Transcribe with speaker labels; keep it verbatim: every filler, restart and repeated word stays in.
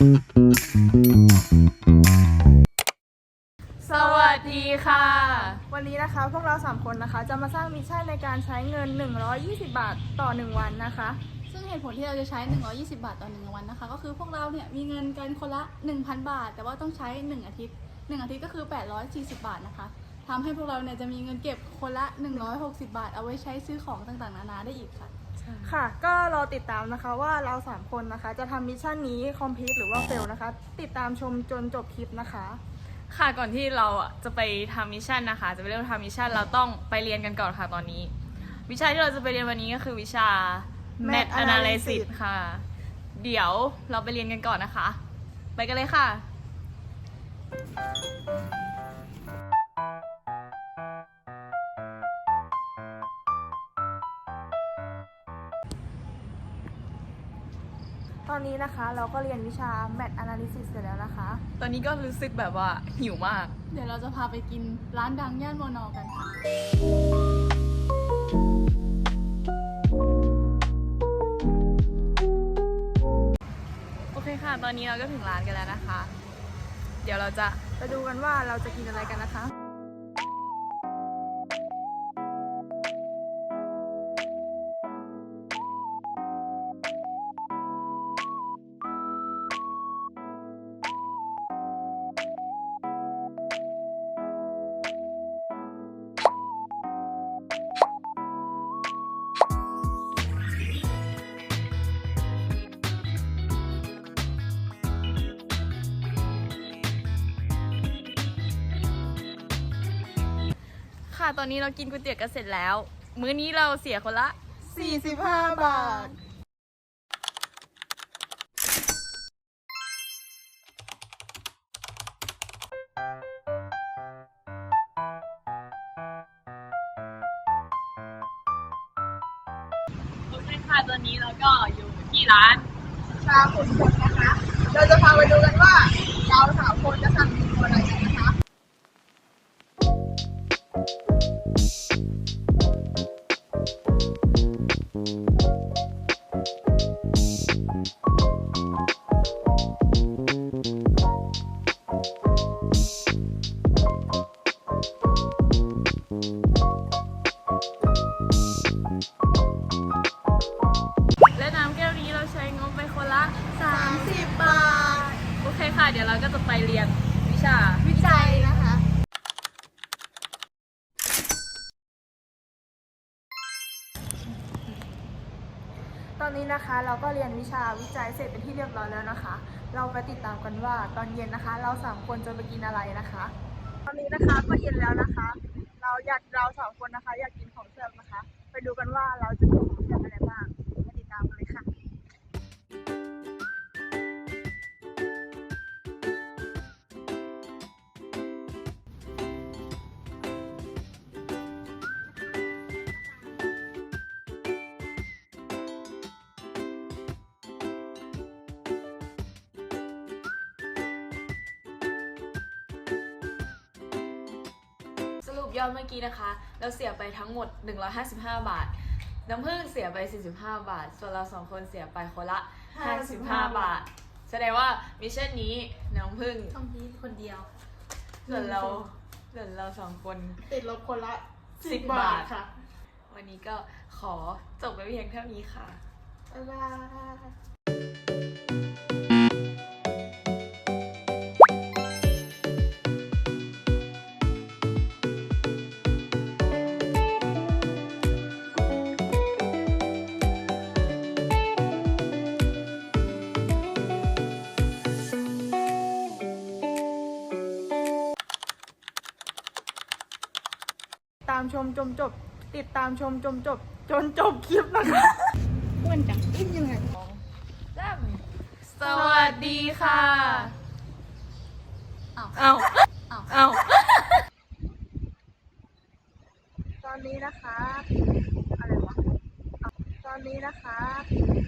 Speaker 1: สวัสดีค่ะ
Speaker 2: วันนี้นะคะพวกเราสามคนนะคะจะมาสร้างมิชชั่นในการใช้เงินหนึ่งร้อยยี่สิบบาทต่อหนึ่งวันนะคะ
Speaker 1: ซึ่งเหตุผลที่เราจะใช้หนึ่งร้อยยี่สิบบาทต่อหนึ่งวันนะคะก็คือพวกเราเนี่ยมีเงินกันคนละ หนึ่งพัน บาทแต่ว่าต้องใช้หนึ่งอาทิตย์หนึ่งอาทิตย์ก็คือแปดร้อยสี่สิบบาทนะคะทำให้พวกเราเนี่ยจะมีเงินเก็บคนละหนึ่งร้อยหกสิบบาทเอาไว้ใช้ซื้อของต่างๆนานาได้อีกค่ะ
Speaker 2: ค่ะก็รอติดตามนะคะว่าเราสามคนนะคะจะทำมิชชั่นนี้คอมพลีทหรือว่าเฟลนะคะติดตามชมจนจบคลิปนะคะ
Speaker 3: ค่ะก่อนที่เราอ่ะจะไปทำมิชชั่นนะคะจะไปเริ่มทำมิชชั่นเราต้องไปเรียนกันก่อนค่ะตอนนี้วิชาที่เราจะไปเรียนวันนี้ก็คือวิชา Math Analysis ค่ะเดี๋ยวเราไปเรียนกันก่อนนะคะไปกันเลยค่ะ
Speaker 2: ตอนนี้นะคะเราก็เรียนวิชา Math Analysis เสร็จแล้วนะคะ
Speaker 3: ตอนนี้ก็รู้สึกแบบว่าหิวมาก
Speaker 1: เดี๋ยวเราจะพาไปกินร้านดังย่านมอนอกันค่ะ
Speaker 3: โอเคค่ะตอนนี้เราก็ถึงร้านกันแล้วนะคะเดี๋ยวเราจะ
Speaker 2: ไปดูกันว่าเราจะกินอะไรกันนะคะ
Speaker 3: ค่ะตอนนี้เรากินก๋วยเตี๋ยวกันเสร็จแล้วมื้อนี้เราเสียคนละ
Speaker 2: สี่สิบห้าบาท
Speaker 3: โอเคค่ะตอนนี้เราก็อยู่ที่ร้าน
Speaker 2: ชาขุนพลนะคะ เราจะพาไปดูกันว่าเราสามคนจะสั่งเมนูอะไรกันนะคะ
Speaker 3: และน้ำแก้วนี้เราใช้งบไปคนละ
Speaker 2: สามสิบบาท
Speaker 3: โอเคค่ะเดี๋ยวเราก็จะไปเรียนวิชา
Speaker 2: วิจัยนะคะ ตอนนี้นะคะเราก็เรียนวิชาวิจัยเสร็จเป็นที่เรียบร้อยแล้วนะคะ เราไปติดตามกันว่าตอนเย็นนะคะ เราสามคนจะไปกินอะไรนะคะ ตอนนี้นะคะก็เย็นแล้วนะคะ เราอยากเราสองคนนะคะ อยากกินของแซ่บนะคะ ไปดูกันว่าเราจะกินของแซ่บอะไรบ้างไปติดตามกันเลยค่ะ
Speaker 3: สรุปยอดเมื่อกี้นะคะเราเสียไปทั้งหมดหนึ่งร้อยห้าสิบห้าบาทน้ำผึ้งเสียไปสี่สิบห้าบาทส่วนเราสองคนเสียไปคนละห้าสิบห้าบาทแสดงว่ามิชชั่นนี้น้ำผึ้ง
Speaker 1: ต้องพีคนเดียว
Speaker 3: ส่วนเราส่วนเราสองคน
Speaker 2: ติดลบคนละ
Speaker 3: สิบบาทค่ะ วันนี้ก็ขอจบไปเพียงเท่านี้ค่ะ
Speaker 2: บ๊ายบาย ตามชมจนจบติดตามชมจนจบจนจบคลิปนะคะ
Speaker 1: อ้วนจัง
Speaker 2: อิ่มยังไง
Speaker 3: สวัสดีค่ะ
Speaker 1: อ้าว
Speaker 3: เอา
Speaker 1: อ้าว
Speaker 3: เอา
Speaker 2: ตอนนี้นะคะอะไรวะอ่ะตอนนี้นะคะ